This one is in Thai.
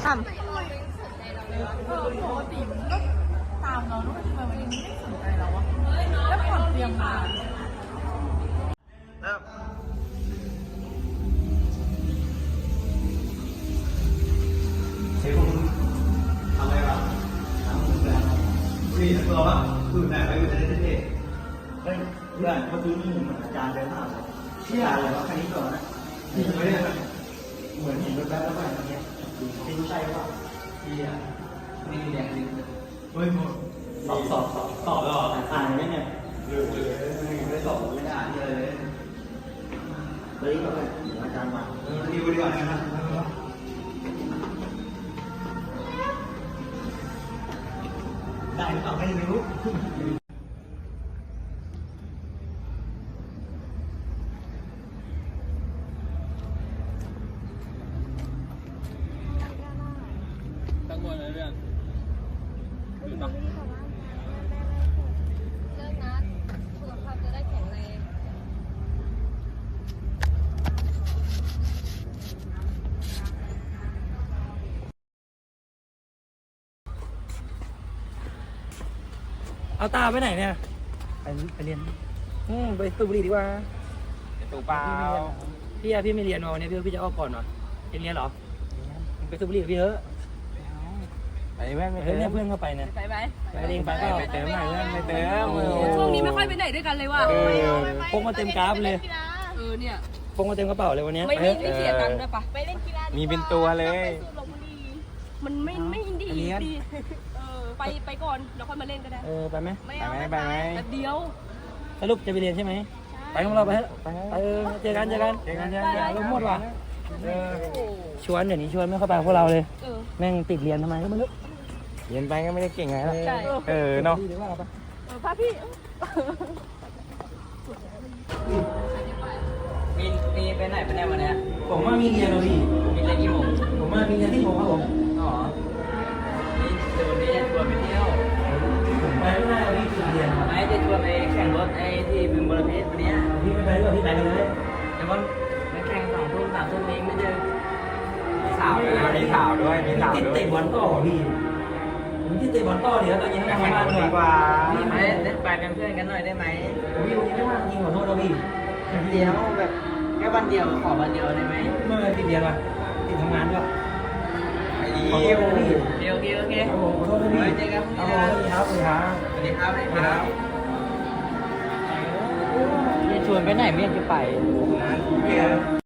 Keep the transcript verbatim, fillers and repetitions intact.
ามเออปกติมันก็ตามเราแล้วทำไมวันนี้ไม่สนใจเราวะแล้วผ่อนเตรียมมาเริ่มเฮ้ยคุณทำอะไรวะทำคุณแบบคุยกับตัวว่าคือแบบไปอยู่ในประเทศเฮ้ยเพื่อนเมื่อกี้นี่เหมือนอาจารย์เดินผ่านเลยเชี่ยอะไรวะคันนี้ก่อนนะนี่ไม่ได้เหมือนเห็นรถแบ๊บแล้วไปเมื่อกี้ไม่รู้ใช่หรือเปล่าเชี่ยนี่แดงจริงเฮ้ยหมดสอบสอบสอบสอบแล้วอ่านไหมเนี่ยลืมเลยไม่สอบไม่ได้อ่านเลยเฮ้ยเขาเป็นอาจารย์มาดีกว่าดีกว่านะครับได้หรือเปล่าไม่รู้ตั้งบนเลยเรื่องอยู่ปะเลิกนัดสุขภาพจะได้แข็งแรงเอาตาไปไหนเนี่ยไปไปเรียนอืมไปสูบบุหรี่ดีกว่าตูเปล่าพี่อะพี่ไม่เรียนมาวันนี้พี่พี่จะออกก่อนเหรอเรียนเรียนเหรอไปสูบบุหรี่กับพี่เถอะไปแม่ไม่เฮ้ยเนี่ยเพื่อนเข้าไปเนี่ยไปไหมไปเองไปเปล่าไปเติมหน่อยเพื่อนไปเติมช่วงนี้ไม่ค่อยไปไหนด้วยกันเลยว่ะพกมาเต็มกราฟเลยเออเนี่ยพกมาเต็มกระเป๋าเลยวันนี้ไม่ไม่ไม่เสียตังค์ด้วยปะไปเล่นกีฬามีเป็นตัวเลยมันไม่ไม่ดีดีเออไปไปก่อนแล้วค่อยมาเล่นก็ได้เออไปไหมไม่ไปเอาไหมไม่ไปไหมแป๊บเดียวสรุปจะไปเรียนใช่ไหมไปของเราไปเถอะไปเออเจอกันเจอกันเจอกันเจอกันลงหมดว่ะเออชวนเดี๋ยวนี้ชวนไม่เข้าไปพวกเราเลยเออแม่งติดเรียนทำไมก็ไม่รู้เรียนไปก็ไม่ได้เก่งไงล่ะใช่เออเนาะดีหรือว่าปะเออพาพี่มีมีไปไหนไปไหนวันเนี้ยผมว่ามีเรียนเราพี่มีเล่นกี่โมงผมว่ามีเรียนที่ผมครับผมอ๋อนี่เดี๋ยววันนี้จะชวนไปเที่ยวผมไปไม่ได้เราพี่ติดเรียนครับไอ้จะชวนไปแข่งรถไอ้ที่บึงบรเพชรวันเนี้ยพี่ไม่ไปด้วยพี่ไปเลยแต่ว่าไปแข่งสองทุ่มสามทุ่มเองไม่เจอมีสาวด้วยนะมีสาวด้วยมีสาวติดด้วยเตะบอลต่อพี่ผมที่เตะบอลต่อเดี๋ยวตอนเย็นแข่ไม่งทำงานกันเลดียกว่าไปเล่นไปเป็นเพื่อนกันหน่อยได้ไหมพี่วันนี้ไม่ว่างจริงขอโทษเราพี่เดียวแบบแค่วันเดียวขอวันเดียวได้ไหมเมื่อติดเรียนว่ะติดทำงานด้วยไอ้ขอโทยิ้ษวพี่เดียวโอเคโอเคครับผมขอโทษนะพี่ไว้เจอกันพรุ่งครับนี้ผมนะสวัสดีครับสวัสดีครับสวัสดีครับสวัสดีครับจะชวนไปไหนไม่อยากจะไปงานเกียร์